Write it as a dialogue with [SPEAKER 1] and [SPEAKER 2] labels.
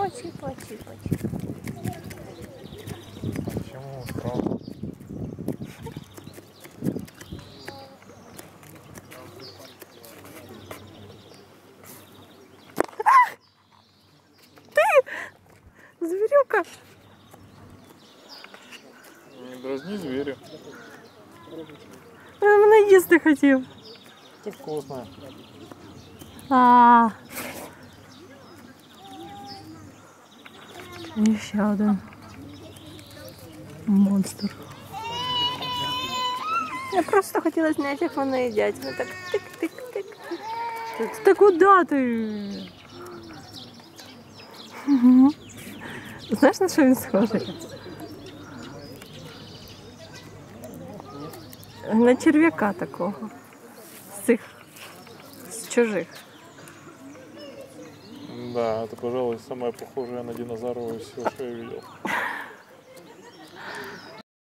[SPEAKER 1] чипа, чипа, чипа.
[SPEAKER 2] Почему справа?
[SPEAKER 1] Зверюка.
[SPEAKER 2] Не дразни зверя.
[SPEAKER 1] Він мене їсти хотів.
[SPEAKER 2] Ты вкусная.
[SPEAKER 1] А. І ще один монстр. Я просто хотіла зняти, як вони їдять. Вони так тик-тик-тик. Та куди ти? Знаєш, на що він схожий? На черв'яка такого. З чужих.
[SPEAKER 2] Да, это, пожалуй, самое похожее на динозавра из всего, что я видел.